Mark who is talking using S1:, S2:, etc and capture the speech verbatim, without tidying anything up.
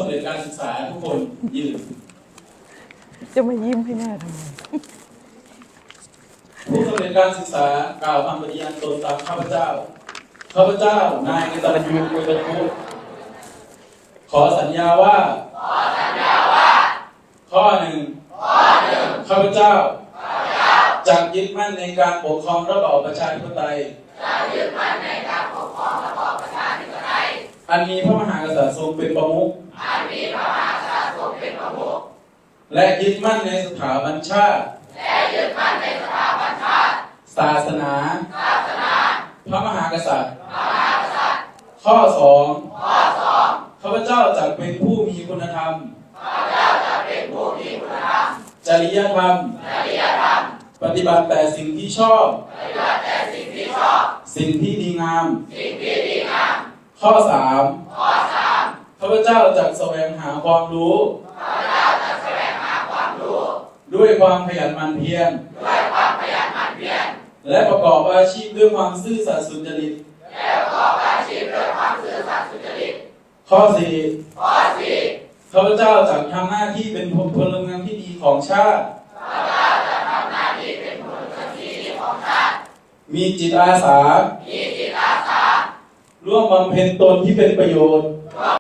S1: เร็จการศึกษาทุกคนยืน
S2: จะมายิ้มให้หน้าทำไม
S1: ผู้สำเร็จการศึกษากล่าวคำปฏิญาณตนตามข้าพเจ้าข้าพเจ้านายกตัญญูกตพุขอสัญญาว่าข้อหนึ่งข้าพเจ้าจะยึดมั่นในการปกครองระบอบประชาธิปไตยอันมีพระมหากษัตริย์ทรงเป็นประมุขและยึดมั่นในสถาบันชาติศาสนาพระมหากษัตริย์ข้อสองข้าพเจ้าจะเป็นผู้มีคุณธรรมจริยธรรมปฏิบัติแต่สิ่งที่ชอบสิ่งที่ดีงามข้อสามข้าพเจ้าจะแสวงหาความรู้ด้วยความขยันหมั่นเพียรและประกอบอาชีพด้วยความซื่อสัตย์สุจริตข้อสี่ข้าพเจ้าจะทำหน้าที่เป็นพลเมืองที่ดีของชาติมีจิตอาสาร่วมบำเพ็ญตนที่เป็นประโยชน์